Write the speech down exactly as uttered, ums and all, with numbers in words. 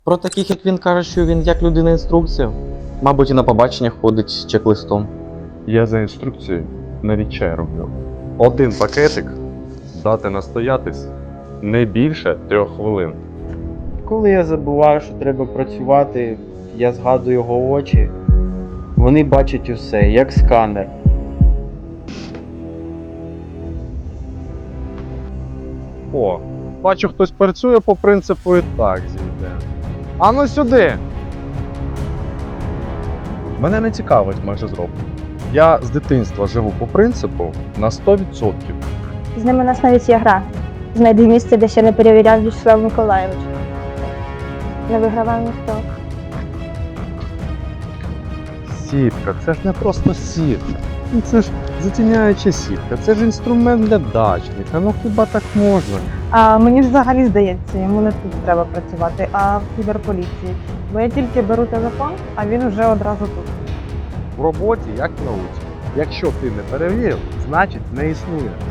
Про таких, як він, каже, що він як людина-інструкція. Мабуть, і на побаченнях ходить з чек-листом. Я за інструкцією навіть чай роблю. Один пакетик дати настоятись не більше трьох хвилин. Коли я забуваю, що треба працювати, я згадую його очі. Вони бачать усе, як сканер. О, бачу, хтось працює по принципу і так зійде. Ану сюди! Мене не цікавить майже зроблено. Я з дитинства живу по принципу на сто відсотків. З ними у нас навіть є гра. Знайди місце, де ще не перевіряв В'ячеслав Миколайович. Не вигравав ніхто. Сітка, це ж не просто сітка. Ну, це ж затіняюча сітка, це ж інструмент для дачника. Ну хіба так можна? А мені ж взагалі здається, йому не тут треба працювати, а в кіберполіції. Бо я тільки беру телефон, а він вже одразу тут. В роботі, як в науці. Якщо ти не перевірив, значить не існує.